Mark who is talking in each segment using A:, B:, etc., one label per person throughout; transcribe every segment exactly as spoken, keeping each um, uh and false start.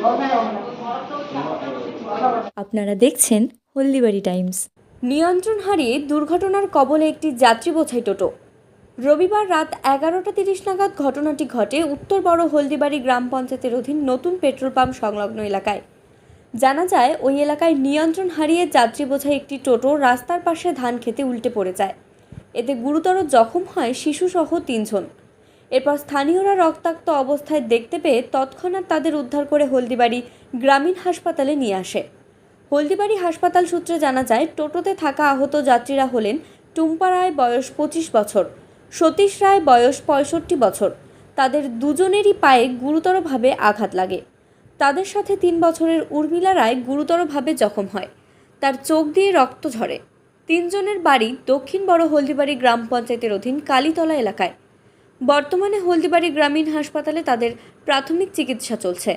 A: আপনারা দেখছেন হলদিবাড়ি টাইমস। নিয়ন্ত্রণ হারিয়ে দুর্ঘটনার কবলে একটি যাত্রী বোঝাই টোটো। রবিবার রাত এগারোটা তিরিশ নাগাদ ঘটনাটি ঘটে উত্তর বড় হলদিবাড়ি গ্রাম পঞ্চায়েতের অধীন নতুন পেট্রোল পাম্প সংলগ্ন এলাকায়। জানা যায়, ওই এলাকায় নিয়ন্ত্রণ হারিয়ে যাত্রী বোঝাই একটি টোটো রাস্তার পাশে ধান খেতে উল্টে পড়ে যায়। এতে গুরুতর জখম হয় শিশুসহ তিনজন। এরপর স্থানীয়রা রক্তাক্ত অবস্থায় দেখতে পেয়ে তৎক্ষণাৎ তাদের উদ্ধার করে হলদিবাড়ি গ্রামীণ হাসপাতালে নিয়ে আসে। হলদিবাড়ি হাসপাতাল সূত্রে জানা যায়, টোটোতে থাকা আহত যাত্রীরা হলেন টুম্পা রায়, বয়স পঁচিশ বছর, সতীশ রায়, বয়স পঁয়ষট্টি বছর। তাদের দুজনেরই পায়ে গুরুতরভাবে আঘাত লাগে। তাদের সাথে তিন বছরের উর্মিলা রায় গুরুতরভাবে জখম হয়, তার চোখ দিয়ে রক্ত ঝরে। তিনজনের বাড়ি দক্ষিণ বড় হলদিবাড়ি গ্রাম পঞ্চায়েতের অধীন কালীতলা এলাকায়। বর্তমানে হলদিবাড়ি গ্রামীণ হাসপাতালে তাদের প্রাথমিক চিকিৎসা চলছে।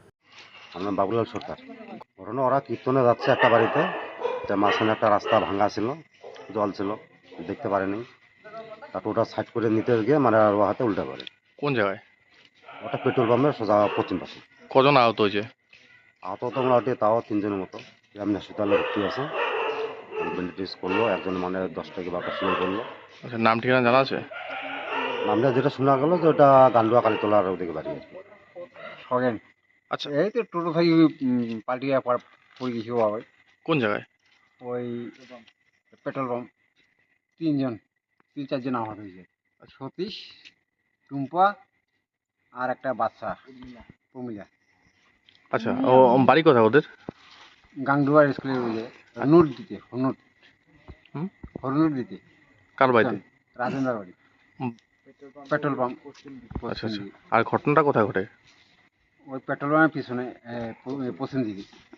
B: আমার বাবুলাল সরকার। ঘটনা, ওরা কীর্তনে যাচ্ছে একটা বাড়িতে, যে মাঝখানে একটা রাস্তা ভাঙা ছিল, জল ছিল, দেখতে পারেনি। তারপর ওটা সাইড করে নিতে গিয়ে মানে ও হাতে উল্টে পড়ে।
C: কোন জায়গায়?
B: ওটা পেট্রোল পাম্পের সোজা পশ্চিম পাশে।
C: কজন আহত হয়েছে?
B: আহত তো মোটামুটি তাও তিনজনের মতো। গ্রামীণ হাসপাতালে ভর্তি আছে, ব্যান্ডেজ করলো, একজন মানে দশ টাকা বারোটা সিলাই করলো।
C: আচ্ছা, নাম ঠিকানা জানা আছে?
B: নামটা যেটা শোনা গেলো যে ওটা গান্ডুয়া কালীতলার ওদিকে বাড়ি আর কি।
D: খগেন।
C: আচ্ছা,
D: এই তো টোটো থেকে পাল্টিয়ে পড়ে গেছি বাবা।
C: কোন জায়গায়?
D: ওই পেট্রোল পাম্প। তিনজন তিন চারজন আহত হয়েছে। সতীশ, টুম্পা আর একটা বাচ্চা প্রমিলা।
C: আচ্ছা, ও বাড়ি কোথায় ওদের?
D: গাংডুয়ার স্কুলের ওই যে হনুট দিতে হনুট
C: হুম?
D: হরনুট দিতে।
C: কার বাড়িতে?
D: রাজেন্দ্র বাড়ি,
C: হুম।
D: Petrol pump.
C: আচ্ছা আচ্ছা, আর ঘটনাটা কোথায় ঘটে?
D: ওই পেট্রোল পাম্পের পিছনে পশ্চিম দিকে।